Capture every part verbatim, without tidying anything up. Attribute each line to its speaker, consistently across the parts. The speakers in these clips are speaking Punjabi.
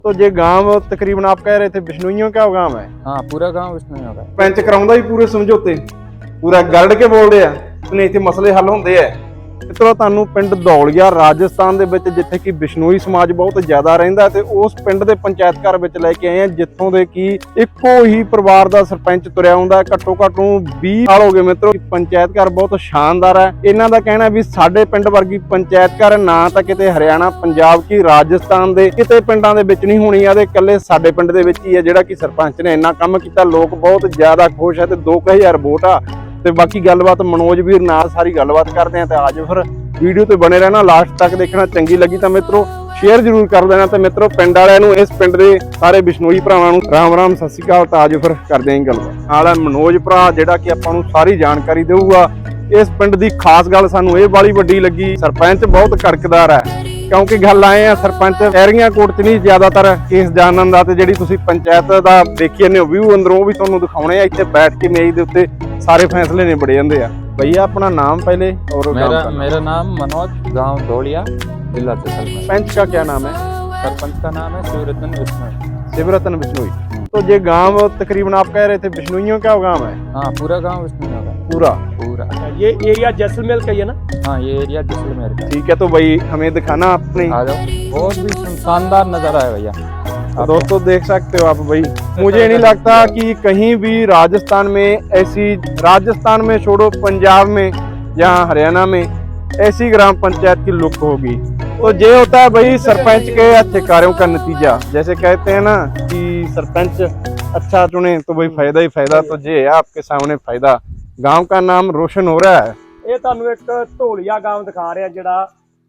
Speaker 1: तो ये गांव तकरीबन आप कह रहे थे बिश्नोइयों का गांव है?
Speaker 2: हाँ पूरा गांव बिश्नोइयों का है।
Speaker 1: पंच कराउंदा ही पूरे समझौते पूरा गड़ के बोल रहे हैं नहीं इत्थे मसले हल होंदे है। मित्रों ਤੁਹਾਨੂੰ ਪਿੰਡ ਦੌਲੀਆ ਰਾਜਸਥਾਨ ਦੇ ਵਿੱਚ ਜਿੱਥੇ ਕਿ ਬਿਸ਼ਨੋਈ ਸਮਾਜ ਬਹੁਤ ਜ਼ਿਆਦਾ ਰਹਿੰਦਾ ਤੇ ਉਸ ਪਿੰਡ ਦੇ ਪੰਚਾਇਤ ਘਰ ਵਿੱਚ ਲੈ ਕੇ ਆਏ ਆ ਜਿੱਥੋਂ ਦੇ ਕਿ ਇੱਕੋ ਹੀ ਪਰਿਵਾਰ ਦਾ ਸਰਪੰਚ ਤੁਰਿਆ ਹੁੰਦਾ ਘੱਟੋ ਘੱਟ ਨੂੰ ਵੀਹ ਸਾਲ ਹੋ ਗਏ। ਮਿੱਤਰੋ ਪੰਚਾਇਤ ਘਰ ਬਹੁਤ ਸ਼ਾਨਦਾਰ ਹੈ। ਇਹਨਾਂ ਦਾ ਕਹਿਣਾ ਵੀ ਸਾਡੇ ਪਿੰਡ ਵਰਗੀ ਪੰਚਾਇਤ ਘਰ ਨਾ ਤਾਂ ਕਿਤੇ ਹਰਿਆਣਾ ਪੰਜਾਬ ਕੀ ਰਾਜਸਥਾਨ ਦੇ ਕਿਤੇ ਪਿੰਡਾਂ ਦੇ ਵਿੱਚ ਨਹੀਂ ਹੋਣੀ ਆ ਤੇ ਇਕੱਲੇ ਸਾਡੇ ਪਿੰਡ ਦੇ ਵਿੱਚ ਹੀ ਹੈ ਜਿਹੜਾ ਕਿ ਸਰਪੰਚ ਨੇ ਇੰਨਾ ਕੰਮ ਕੀਤਾ। ਲੋਕ ਬਹੁਤ ਜ਼ਿਆਦਾ ਖੁਸ਼ ਹੈ ਤੇ ਦੋ ਕੁ ਹਜ਼ਾਰ ਵੋਟ ਆ ਤੇ ਬਾਕੀ ਗੱਲਬਾਤ ਮਨੋਜ ਵੀਰ ਨਾਲ ਸਾਰੀ ਗੱਲਬਾਤ ਕਰਦੇ ਆ ਤੇ ਆਜੋ ਫਿਰ ਵੀਡੀਓ ਤੇ ਬਣੇ ਰਹਿਣਾ ਲਾਸਟ ਤੱਕ ਦੇਖਣਾ। ਚੰਗੀ ਲੱਗੀ ਤਾਂ ਮਿੱਤਰੋ ਸ਼ੇਅਰ ਜ਼ਰੂਰ ਕਰ ਦੇਣਾ ਤੇ ਮਿੱਤਰੋ ਪਿੰਡ ਵਾਲਿਆਂ ਨੂੰ ਇਸ ਪਿੰਡ ਦੇ ਸਾਰੇ ਬਿਸ਼ਨੋਈ ਭਰਾਵਾਂ ਨੂੰ ਰਾਮ ਰਾਮ ਸਤਿ ਸ਼੍ਰੀ ਅਕਾਲ। ਤਾਂ ਆਜੋ ਫਿਰ ਕਰਦੇ ਆਂ ਗੱਲਬਾਤ ਨਾਲ ਹੈ ਮਨੋਜ ਭਰਾ ਜਿਹੜਾ ਕਿ ਆਪਾਂ ਨੂੰ ਸਾਰੀ ਜਾਣਕਾਰੀ ਦੇਊਗਾ। ਇਸ ਪਿੰਡ ਦੀ ਖਾਸ ਗੱਲ ਸਾਨੂੰ ਇਹ ਵਾਲੀ ਵੱਡੀ ਲੱਗੀ ਸਰਪੰਚ ਬਹੁਤ ਕੜਕਦਾਰ ਹੈ ਕਿਉਂਕਿ ਗੱਲ ਆਏ ਆ ਸਰਪੰਚ ਐਰੀਆ ਕੋਰਟ ਚ ਨਹੀਂ ਜ਼ਿਆਦਾਤਰ ਕੇਸ ਜਾਣਨ ਦਾ ਤੇ ਜਿਹੜੀ ਤੁਸੀਂ ਪੰਚਾਇਤ ਦਾ ਦੇਖੀ ਜਾਂਦੇ ਹੋ ਵਿਊ ਅੰਦਰੋਂ ਉਹ ਵੀ ਤੁਹਾਨੂੰ ਦਿਖਾਉਣੇ ਆ। ਇੱਥੇ ਬੈਠ ਕੇ ਮੇਜ਼ ਦੇ ਉੱਤੇ सारे फैसले निबड़ जाते हैं। भैया अपना नाम पहले और
Speaker 2: मेरा मेरा नाम मनोज, गांव दौलिया, जिला जैसलमेर।
Speaker 1: पंच का क्या नाम है?
Speaker 2: सरपंच का नाम है शिवरतन बिश्नोई।
Speaker 1: शिवरतन बिश्नोई। तो ये गांव तकरीबन आप कह रहे थे बिश्नोइयों का गांव है?
Speaker 2: हाँ पूरा गांव बिश्नोइयों का।
Speaker 1: पूरा
Speaker 2: पूरा
Speaker 3: ये एरिया जैसलमेर का ही है ना?
Speaker 2: हाँ ये एरिया जैसलमेर का।
Speaker 1: ठीक है तो भाई हमें दिखाना अपने।
Speaker 2: आ जाओ बहुत भी शानदार नजारा है भैया।
Speaker 1: तो दोस्तों देख सकते हो आप भाई मुझे नहीं लगता कि कहीं भी राजस्थान में ऐसी राजस्थान में छोड़ो पंजाब में या हरियाणा में ऐसी ग्राम पंचायत की लुक होगी। तो ये होता है भाई सरपंच के अच्छे कार्यों का नतीजा। जैसे कहते हैं ना कि सरपंच अच्छा चुने तो भाई फायदा ही फायदा। तो ये है आपके सामने फायदा गांव का नाम रोशन हो रहा है।
Speaker 3: ਇਹ ਤੁਹਾਨੂੰ ਇੱਕ ਢੋਲੀਆ ਗਾਂਵ ਦਿਖਾ ਰਿਹਾ ਜਿਹੜਾ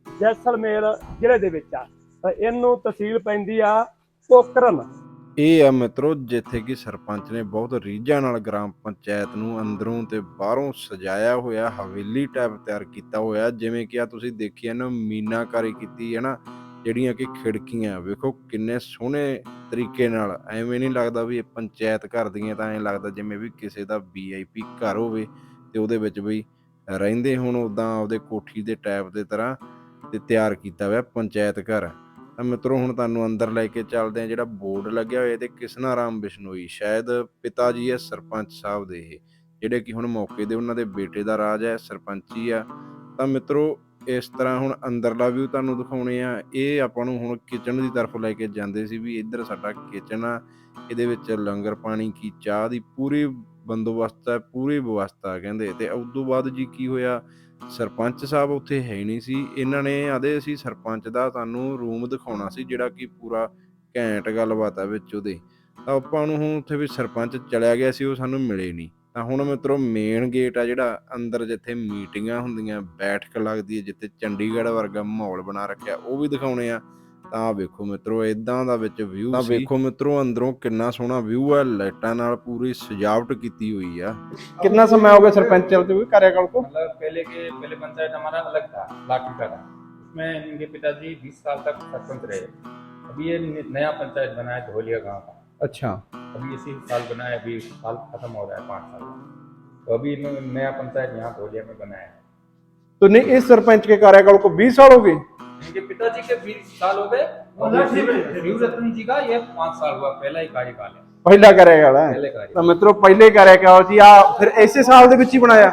Speaker 3: ਜੈਸਲਮੇਰ ਜ਼ਿਲ੍ਹੇ ਦੇ ਵਿੱਚ ਆ। ਇਹਨੂੰ ਤਹਿਸੀਲ ਪੈਂਦੀ ਆ ਪੋਕਰਨ।
Speaker 1: ਇਹ ਆ ਮਿੱਤਰੋ ਜਿੱਥੇ ਕਿ ਸਰਪੰਚ ਨੇ ਬਹੁਤ ਰੀਝਾਂ ਨਾਲ ਗ੍ਰਾਮ ਪੰਚਾਇਤ ਨੂੰ ਅੰਦਰੋਂ ਤੇ ਬਾਹਰੋਂ ਸਜਾਇਆ ਹੋਇਆ ਹਵੇਲੀ ਟਾਈਪ ਤਿਆਰ ਕੀਤਾ ਹੋਇਆ। ਜਿਵੇਂ ਕਿ ਆ ਤੁਸੀਂ ਦੇਖੀ ਇਹਨਾਂ ਮੀਨਾਕਾਰੀ ਕੀਤੀ ਹੈ ਨਾ ਜਿਹੜੀਆਂ ਕਿ ਖਿੜਕੀਆਂ ਵੇਖੋ ਕਿੰਨੇ ਸੋਹਣੇ ਤਰੀਕੇ ਨਾਲ। ਐਵੇਂ ਨਹੀਂ ਲੱਗਦਾ ਵੀ ਇਹ ਪੰਚਾਇਤ ਘਰ ਦੀਆਂ ਤਾਂ ਐਂ ਲੱਗਦਾ ਜਿਵੇਂ ਵੀ ਕਿਸੇ ਦਾ ਵੀ ਆਈ ਪੀ ਘਰ ਹੋਵੇ ਤੇ ਉਹਦੇ ਵਿੱਚ ਬਈ ਰਹਿੰਦੇ ਹੁਣ ਉੱਦਾਂ ਆਪਦੇ ਕੋਠੀ ਦੇ ਟਾਈਪ ਦੇ ਤਰ੍ਹਾਂ ਤੇ ਤਿਆਰ ਕੀਤਾ ਹੋਇਆ ਪੰਚਾਇਤ ਘਰ। ਤਾਂ ਮਿੱਤਰੋ ਹੁਣ ਤੁਹਾਨੂੰ ਅੰਦਰ ਲੈ ਕੇ ਚੱਲਦੇ ਆ। ਜਿਹੜਾ ਬੋਰਡ ਲੱਗਿਆ ਹੋਇਆ ਤੇ ਕਿਸਨਾ ਰਾਮ ਬਿਸ਼ਨੋਈ ਸ਼ਾਇਦ ਪਿਤਾ ਜੀ ਹੈ ਸਰਪੰਚ ਸਾਹਿਬ ਦੇ ਇਹ ਜਿਹੜੇ ਕਿ ਹੁਣ ਮੌਕੇ ਦੇ ਉਹਨਾਂ ਦੇ ਬੇਟੇ ਦਾ ਰਾਜ ਹੈ ਸਰਪੰਚੀ ਆ। ਤਾਂ ਮਿੱਤਰੋ ਇਸ ਤਰ੍ਹਾਂ ਹੁਣ ਅੰਦਰਲਾ ਵਿਊ ਤੁਹਾਨੂੰ ਦਿਖਾਉਣੇ ਆ। ਇਹ ਆਪਾਂ ਨੂੰ ਹੁਣ ਕਿਚਨ ਦੀ ਤਰਫ ਲੈ ਕੇ ਜਾਂਦੇ ਸੀ ਵੀ ਇੱਧਰ ਸਾਡਾ ਕਿਚਨ ਆ ਇਹਦੇ ਵਿੱਚ ਲੰਗਰ ਪਾਣੀ ਕੀ ਚਾਹ ਦੀ ਪੂਰੀ ਬੰਦੋਬਸਤ ਹੈ ਪੂਰੀ ਵਿਵਸਥਾ ਕਹਿੰਦੇ। ਤੇ ਉਸ ਤੋਂ ਬਾਅਦ ਜੀ ਕੀ ਹੋਇਆ ਸਰਪੰਚ ਸਾਹਿਬ ਉੱਥੇ ਹੈ ਹੀ ਨਹੀਂ ਸੀ। ਇਹਨਾਂ ਨੇ ਆਦੇ ਅਸੀਂ ਸਰਪੰਚ ਦਾ ਤੁਹਾਨੂੰ ਰੂਮ ਦਿਖਾਉਣਾ ਸੀ ਜਿਹੜਾ ਕਿ ਪੂਰਾ ਘੈਂਟ ਗੱਲਬਾਤ ਹੈ ਵਿੱਚ ਉਹਦੇ। ਤਾਂ ਆਪਾਂ ਨੂੰ ਹੁਣ ਉੱਥੇ ਵੀ ਸਰਪੰਚ ਚਲਿਆ ਗਿਆ ਸੀ ਉਹ ਸਾਨੂੰ ਮਿਲੇ ਨਹੀਂ। ਤਾਂ ਹੁਣ ਮਿੱਤਰੋ ਮੇਨ ਗੇਟ ਆ ਜਿਹੜਾ ਅੰਦਰ ਜਿੱਥੇ ਮੀਟਿੰਗਾਂ ਹੁੰਦੀਆਂ ਬੈਠਕ ਲੱਗਦੀ ਹੈ ਜਿੱਥੇ ਚੰਡੀਗੜ੍ਹ ਵਰਗਾ ਮਾਹੌਲ ਬਣਾ ਰੱਖਿਆ ਉਹ ਵੀ ਦਿਖਾਉਣੇ ਆ। ਤਾਂ ਵੇਖੋ ਮਿੱਤਰੋ ਇਦਾਂ ਦਾ ਵਿੱਚ ਵਿਊ ਤਾਂ ਵੇਖੋ ਮਿੱਤਰੋ ਅੰਦਰੋਂ ਕਿੰਨਾ ਸੋਹਣਾ ਵਿਊ ਹੈ ਲਾਈਟਾਂ ਨਾਲ ਪੂਰੀ ਸਜਾਵਟ ਕੀਤੀ ਹੋਈ ਆ। कितना समय हो गया सरपंच चलते हुए कार्यकाल को?
Speaker 4: मतलब पहले के पहले पंचायत हमारा अलग था लाठी का था उसमें इनके पिताजी बीस साल तक सरपंच रहे। अभी ये नया पंचायत बना है धोलिया गांव का।
Speaker 1: अच्छा
Speaker 4: अभी इसी साल बना है अभी साल खत्म हो रहा है पाँच साल तो अभी नया पंचायत यहाँ धोलिया में बना है।
Speaker 1: तो नहीं इस सरपंच के कार्यकाल को बीस साल हो गए?
Speaker 4: इनके पिताजी के बीस साल हो गए और शिवरतन जी का ये पाँच साल हुआ पहला ही कार्यकाल है।
Speaker 1: ਪਹਿਲਾ कार्यकाल है
Speaker 4: पहले कार्य
Speaker 1: ਤਾਂ ਮਿੱਤਰੋ ਪਹਿਲੇ कार्यकाल ਸੀ ਆ ਫਿਰ ਇਸੇ ਸਾਲ ਦੇ ਵਿੱਚ ਹੀ ਬਣਾਇਆ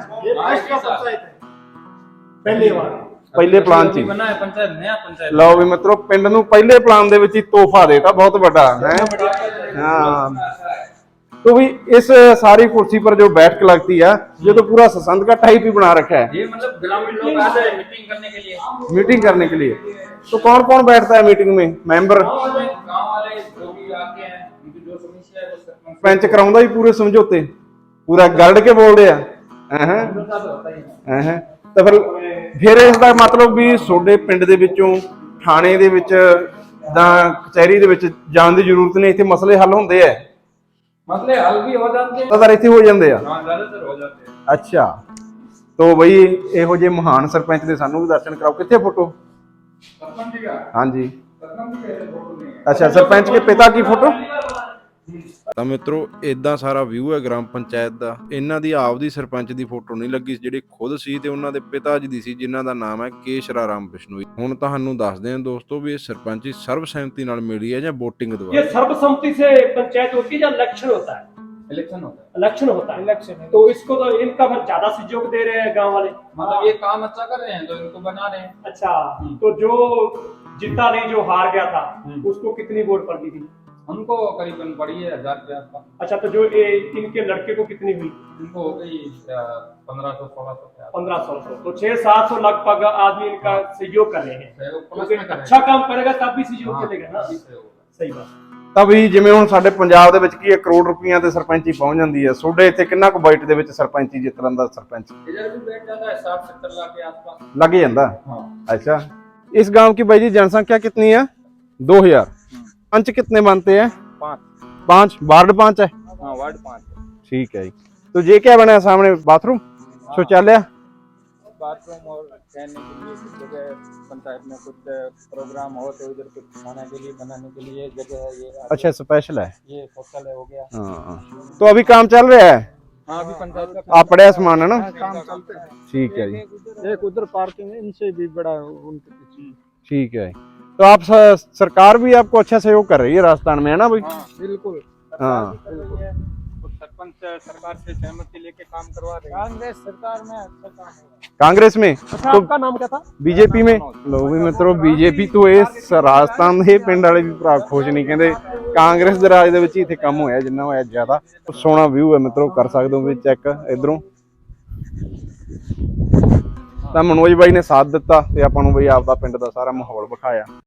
Speaker 3: ਪਹਿਲੀ ਵਾਰ
Speaker 1: ਪਹਿਲੇ ਪਲਾਨ 'ਚ ਹੀ
Speaker 4: बना है पंचायत नया पंचायत।
Speaker 1: ਲਓ ਵੀ ਮਿੱਤਰੋ ਪਿੰਡ ਨੂੰ ਪਹਿਲੇ ਪਲਾਨ ਦੇ ਵਿੱਚ ਹੀ ਤੋਹਫਾ ਦੇਤਾ ਬਹੁਤ ਵੱਡਾ ਹੈ। हाँ तो भी इस सारी कुर्सी पर जो बैठक लगती है ये तो पूरा ससंद का टाइप ही बना रखा है।
Speaker 4: ये मतलब ग्रामीण लोग आते हैं मीटिंग करने के लिए।
Speaker 1: मीटिंग करने के लिए तो कौन कौन बैठता है मीटिंग में? मेंबर
Speaker 4: गांव वाले जो भी आते हैं उनकी जो समस्या है वो सरपंच
Speaker 1: पंच कराउंदा ही पूरे समझौते पूरा गड़ के बोल रहे हैं। तो फिर फिर इसका मतलब भी ਤੁਹਾਡੇ ਪਿੰਡ ਦੇ ਵਿੱਚੋਂ ਥਾਣੇ ਦੇ ਵਿੱਚ ਜਾਂ ਕਚਹਿਰੀ ਦੇ ਵਿੱਚ ਜਾਣ ਦੀ ਜ਼ਰੂਰਤ ਨਹੀਂ ਇੱਥੇ ਮਸਲੇ ਹੱਲ ਹੁੰਦੇ ਆ।
Speaker 4: मसले हल भी हो जाते हैं
Speaker 1: ਜ਼ਿਆਦਾਤਰ ਇੱਥੇ ਹੋ ਜਾਂਦੇ ਆ।
Speaker 4: हाँ ज्यादातर हो जाते हैं।
Speaker 1: ਅੱਛਾ तो ਬਈ ਇਹੋ ਜਿਹੇ ਮਹਾਨ ਸਰਪੰਚ ਦੇ ਸਾਨੂੰ ਵੀ ਦਰਸ਼ਨ ਕਰਾਓ। ਕਿੱਥੇ ਫੋਟੋ?
Speaker 4: सरपंच जी का
Speaker 1: ਹਾਂਜੀ
Speaker 4: सरपंच जी का फोटो नहीं है।
Speaker 1: अच्छा सरपंच के पिता की फोटो ਤਾਂ ਮਿੱਤਰੋ ਇਦਾਂ ਸਾਰਾ ਵਿਊ ਹੈ ਗ੍ਰਾਮ ਪੰਚਾਇਤ ਦਾ। ਇਹਨਾਂ ਦੀ ਆਪਦੀ ਸਰਪੰਚ ਦੀ ਫੋਟੋ ਨਹੀਂ ਲੱਗੀ ਜਿਹੜੀ ਖੁਦ ਸੀ ਤੇ ਉਹਨਾਂ ਦੇ ਪਿਤਾ ਜੀ ਦੀ ਸੀ ਜਿਨ੍ਹਾਂ ਦਾ ਨਾਮ ਹੈ ਕੇਸ਼ਰਾ ਰਾਮ ਬਿਸ਼ਨੋਈ। ਹੁਣ ਤੁਹਾਨੂੰ ਦੱਸਦੇ ਹਾਂ ਦੋਸਤੋ ਵੀ ਇਹ ਸਰਪੰਚੀ ਸਰਬਸਹਿਮਤੀ ਨਾਲ ਮਿਲੀ ਹੈ ਜਾਂ ਵੋਟਿੰਗ
Speaker 3: ये
Speaker 1: ਦੁਆਰਾ।
Speaker 3: सर्वसम्मति से पंचायत होती है या इलेक्शन होता है?
Speaker 4: इलेक्शन होता है।
Speaker 3: इलेक्शन होता है।
Speaker 5: इलेक्शन है।
Speaker 3: तो इसको तो इनका फिर ज्यादा सहयोग दे रहे हैं गांव वाले।
Speaker 4: मतलब ये काम अच्छा कर रहे हैं तो इनको बना रहे हैं।
Speaker 3: अच्छा, तो जो जीता नहीं, जो हार गया था, उसको कितनी वोट पड़ गई थी?
Speaker 4: हमको करीबन पड़ी है हजार के आसपास।
Speaker 3: अच्छा, तो जो ये इनके लड़के को कितनी हुई?
Speaker 4: इनको हो गई पंद्रह सौ सोलह सौ के आसपास।
Speaker 3: पंद्रह सौ तो छह सात सौ लगभग आदमी इनका सहयोग कर रहे हैं।
Speaker 4: सहयोग प्लस
Speaker 3: क्योंकि
Speaker 4: में कर रहे हैं।
Speaker 3: अच्छा काम करेगा तब भी सहयोग
Speaker 4: हाँ,
Speaker 3: मिलेगा ना।
Speaker 4: अभी सहयोग होगा।
Speaker 3: सही बात।
Speaker 1: ਤਾਂ ਵੀ ਜਿਵੇਂ ਹੁਣ ਸਾਡੇ ਪੰਜਾਬ ਦੇ ਵਿੱਚ ਕੀ ਹੈ ਕਰੋੜ ਰੁਪਈਆ ਤੇ ਸਰਪੰਚੀ ਪਹੁੰਚ ਜਾਂਦੀ ਹੈ, ਤੁਹਾਡੇ ਇੱਥੇ ਕਿੰਨਾ ਕੁ ਬਾਈਟ ਦੇ ਵਿੱਚ ਸਰਪੰਚੀ ਜਿੱਤਣ ਦਾ ਸਰਪੰਚ
Speaker 4: इधर भी बैठ जाता है साठ सत्तर लाख के आसपास।
Speaker 1: ਲੱਗ ਜਾਂਦਾ?
Speaker 4: हाँ।
Speaker 1: अच्छा, इस गांव की भाई जी जनसंख्या कितनी है? दो हजार। पंच कितने बनते हैं?
Speaker 2: पाँच।
Speaker 1: पांच। वार्ड पांच है?
Speaker 2: हाँ वार्ड पाँच है।
Speaker 1: ठीक है जी। तो ये क्या बना है सामने? बाथरूम, शौचालय?
Speaker 2: बाथरूम और रहने के लिए कुछ जगह पंचायत में कुछ प्रोग्राम हो तो इधर कुछ खाने के लिए बनाने के लिए जगह है। ये
Speaker 1: अच्छा, स्पेशल है।
Speaker 2: ये शौचालय हो गया।
Speaker 1: हाँ, तो अभी काम चल रहा है?
Speaker 2: हाँ अभी पंचायत का
Speaker 1: आप पड़े सामान है ना?
Speaker 2: काम चलते हैं।
Speaker 1: ठीक है जी,
Speaker 2: एक उधर पार्किंग है, इनसे भी बड़ा उनके पीछे।
Speaker 1: ठीक है। तो आप स- सरकार भी आपको अच्छा सहयोग कर रही है राजस्थान में, है ना भाई?
Speaker 2: हाँ बिल्कुल।
Speaker 1: हाँ।
Speaker 2: कुछ सरपंच सरकार से सहमति लेके काम करवा रहे हैं। कांग्रेस सरकार में अच्छा काम है।
Speaker 1: कांग्रेस में?
Speaker 3: अच्छा,
Speaker 1: तो
Speaker 3: आपका नाम क्या था?
Speaker 1: ਬੀਜੇਪੀ में ਲੋ ਵੀ ਮਿੱਤਰੋ ਬੀਜੇਪੀ ਤੋਂ ਇਸ ਰਾਜਸਥਾਨ ਦੇ ਪਿੰਡ ਵਾਲੇ ਵੀ ਭਰਾ ਖੁਸ਼ ਨਹੀਂ, ਕਹਿੰਦੇ ਕਾਂਗਰਸ ਦੇ ਰਾਜ ਦੇ ਵਿੱਚ ਹੀ ਇੱਥੇ ਕੰਮ ਹੋਇਆ ਜਿੰਨਾ ਹੋਇਆ ਜ਼ਿਆਦਾ। ਸੋਹਣਾ ਵਿਊ ਹੈ ਮਿੱਤਰੋ, ਕਰ ਸਕਦੇ ਹੋ ਵੀ ਚੈੱਕ ਇਧਰੋਂ। ਤਾਂ ਮਨੋਜ ਬਾਈ ਨੇ ਸਾਥ ਦਿੱਤਾ ਤੇ ਆਪਾਂ ਨੂੰ ਬਈ ਆਪਦਾ ਪਿੰਡ ਦਾ ਸਾਰਾ ਮਾਹੌਲ ਵਿਖਾਇਆ।